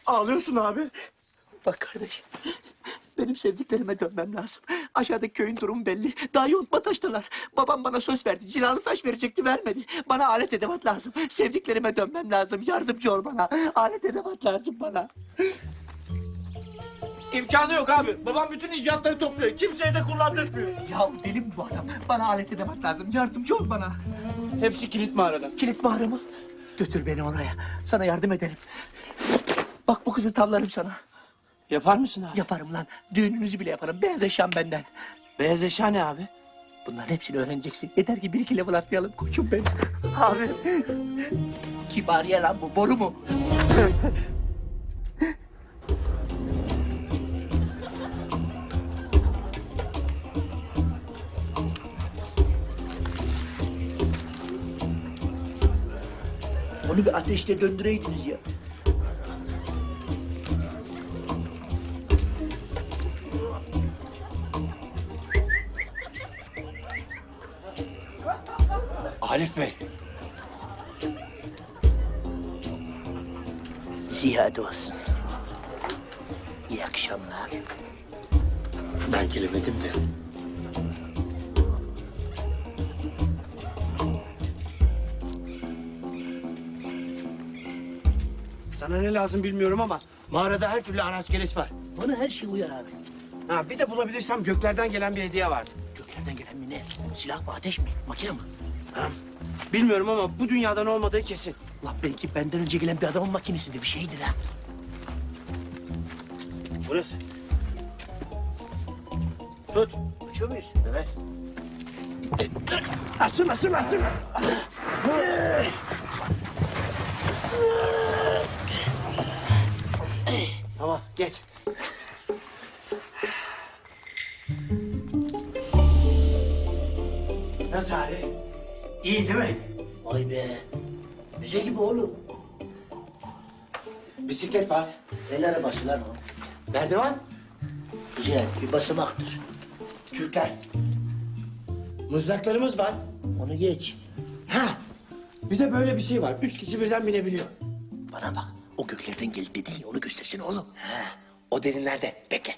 Ağlıyorsun abi. Bak kardeş, benim sevdiklerime dönmem lazım. Aşağıdaki köyün durumu belli. Daha yontma taştalar. Babam bana söz verdi. Cilalı taş verecekti, vermedi. Bana alet edevat lazım. Sevdiklerime dönmem lazım. Yardımcı ol bana. Alet edevat lazım bana. İmkanı yok abi. Babam bütün icatları topluyor. Kimseye de kullandırmıyor. Ya deli mi bu adam? Bana alet edevat lazım. Yardımcı ol bana. Hepsi kilit mağarada. Kilit mağara mı? Götür beni oraya. Sana yardım ederim. Bak bu kızı tavlarım sana. Yapar mısın abi? Yaparım lan. Düğününüzü bile yaparım. Beyaz eşyam benden. Beyaz eşya ne abi? Bunların hepsini öğreneceksin. Yeter ki bir iki level atlayalım koçum benim. Abi. Kibariye lan bu. Boru mu? Onu bir ateşte döndüreydiniz ya. Arif Bey. Ziyade olsun. İyi akşamlar. Ben gelemedim de. Sana ne lazım bilmiyorum ama mağarada her türlü araç gereç var. Bana her şey uyar abi. Ha, bir de bulabilirsem göklerden gelen bir hediye vardı. Göklerden gelen mi ne? Silah mı, ateş mi, makine mi? Ha, bilmiyorum ama bu dünyadan olmadığı kesin. La belki benden önce gelen bir adamın makinesidir, bir şeydir ha. Burası. Tut. Açıyor muyuz? Evet. Asıl. Tamam, geç. Nasıl Arif? İyi değil mi? Vay be. Müze gibi oğlum. Bisiklet var. El arabası lan o. Merdiven. Güzel, bir basamaktır. Kürkler. Mızraklarımız var. Onu geç. Ha. Bir de böyle bir şey var. 3 kişi birden binebiliyor. Bana bak, o göklerden geldi dedin ya, onu göstersene oğlum. Ha. O derinlerde. Bekle.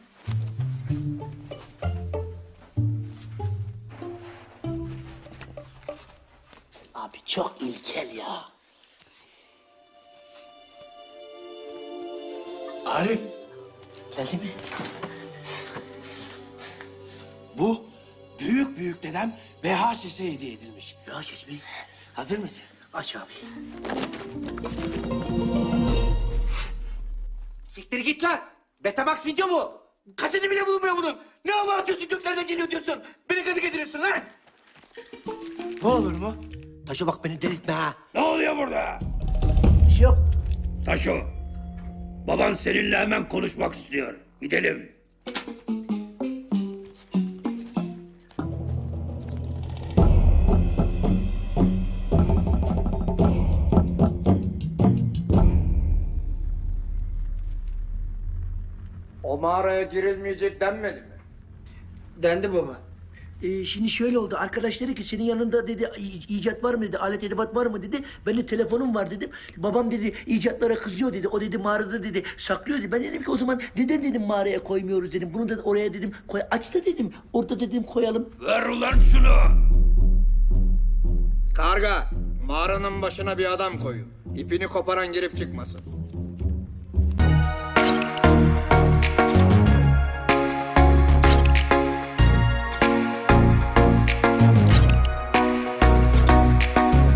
Abi çok ilkel ya. Arif. Geldi mi? Bu büyük dedem VHS'e hediye edilmiş. Ya ses mi? Hazır mısın? Aç abi. Siktir git lan. Betamax video mu? Kaseti bile bulunmuyor bunun. Ne hava atıyorsun göklerden geliyor diyorsun. Beni gazı getiriyorsun lan. Bu olur mu? Taşa bak, beni delirtme ha. Ne oluyor burada? Bir şey yok. Taşo, baban seninle hemen konuşmak istiyor. Gidelim. O mağaraya girilmeyecek denmedi mi? Dendi baba. Şimdi şöyle oldu. Arkadaş dedi ki senin yanında dedi icat var mı dedi, alet edevat var mı dedi. Ben de telefonum var dedim. Babam dedi icatlara kızıyor dedi. O dedi mağarada dedi saklıyor dedi. Ben dedim ki o zaman neden dedim mağaraya koymuyoruz dedim. Bunu da oraya dedim koy, aç da dedim. Orada dedim koyalım. Ver ulan şunu. Karga, mağaranın başına bir adam koyun. İpini koparan girip çıkmasın.